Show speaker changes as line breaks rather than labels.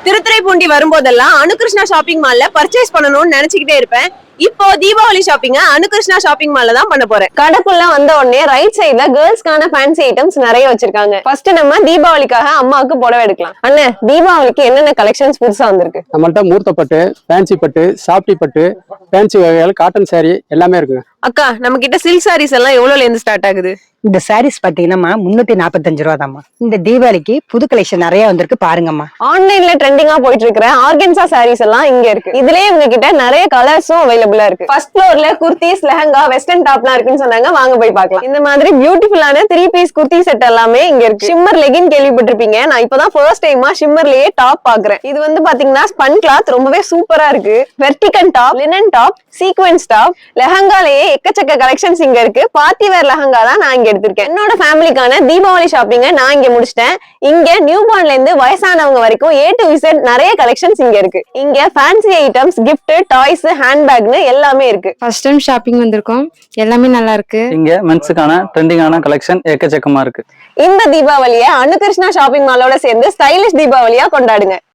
திருத்துறைப்பூண்டி வரும்போதெல்லாம் அனுகிருஷ்ணா ஷாப்பிங் மால்ல பர்ச்சேஸ் பண்ணணும்னு நினைச்சுக்கிட்டே இருப்பேன். இப்போ தீபாவளி ஷாப்பிங்க அனுகிருஷ்ணா ஷாப்பிங் மால்ல தான் பண்ண போறேன். கடைக்குள்ள வந்த உடனே ரைட் சைடுல கேர்ள்ஸ்க்கான ஃபேன்சி ஐட்டம்ஸ் நிறைய வச்சிருக்காங்க. ஃபர்ஸ்ட் நம்ம தீபாவளிக்காக அம்மாவுக்கு புடவை எடுக்கலாம். அண்ணே, தீபாவளிக்கு என்னென்ன கலெக்ஷன்ஸ் புதுசா வந்திருக்கு?
நம்மள்ட்ட மூர்த்த பட்டு, ஃபேன்சி பட்டு, சாப்டி பட்டு, ஃபேன்சி வகைகள், காட்டன் சாரி எல்லாமே இருக்குங்க.
அக்கா, நம்ம கிட்ட சில்க் சாரீஸ் எல்லாம் எவ்வளவுல இருந்து ஸ்டார்ட் ஆகுது?
இந்த சாரீஸ் பாத்தீங்கன்னா 345 ரூபா தாம்மா. இந்த தீபாவளிக்கு புது கலெக்ஷன் நிறைய வந்திருக்கு பாருங்கம்மா.
ஆன்லைன்ல ட்ரெண்டிங்கா போயிட்டு இருக்கிற ஆர்கன்சா சாரீஸ் எல்லாம் இங்க இருக்கு. இதுலயே இவங்க கிட்ட நிறைய கலர்ஸும் அவைலபிளா இருக்கு. ஃபர்ஸ்ட் ஃப்ளோர்ல குர்த்திஸ், லெஹங்கா, வெஸ்டர்ன் டாப்லாம் இருக்குன்னு சொன்னாங்க. வாங்க போய் பார்க்கலாம். இந்த மாதிரி பியூட்டிஃபுல்லான 3 பீஸ் குர்த்தி செட் எல்லாமே இங்க இருக்கு. ஷிம்மர் லெகின் கேள்விப்பட்டிருப்பீங்க. நான் இப்பதான் ஃபர்ஸ்ட் டைமா ஷிம்மர்லயே டாப் பாக்குறேன். இது வந்து பாத்தீங்கன்னா ஸ்பன் கிளாத், ரொம்பவே சூப்பரா இருக்கு. வெர்டிகன் top, linen top, sequence top, லெஹங்காலேயே எக்கச்சக்க கலெக்ஷன்ஸ் இங்க இருக்கு. பார்ட்டி வேர் லெஹங்கா தான் நான் இங்க எடுத்திருக்கேன். என்னோட ஃபேமிலிக்கான தீபாவளி ஷாப்பிங்க நான் இங்க முடிச்சிட்டேன். இங்க நியூ பார்ன்ல இருந்து வயசானவங்க வரைக்கும் A to Z நிறைய கலெக்ஷன்ஸ் இங்க இருக்கு. இங்க ஃபேன்சி ஐட்டம்ஸ், கிஃப்ட், டாய்ஸ், ஹேண்ட்பேக்னு எல்லாமே இருக்கு.
ஃபர்ஸ்ட் டைம் ஷாப்பிங் வந்திருக்கோம். எல்லாமே நல்லா இருக்கு.
இங்க மென்ஸுக்கான ட்ரெண்டிங்கான கலெக்ஷன் எக்கச்சக்கமா இருக்கு.
இந்த தீபாவளியை அனுகிருஷ்ணா ஷாப்பிங் மாலோட சேர்ந்து ஸ்டைலிஷ் தீபாவளியா கொண்டாடுங்க.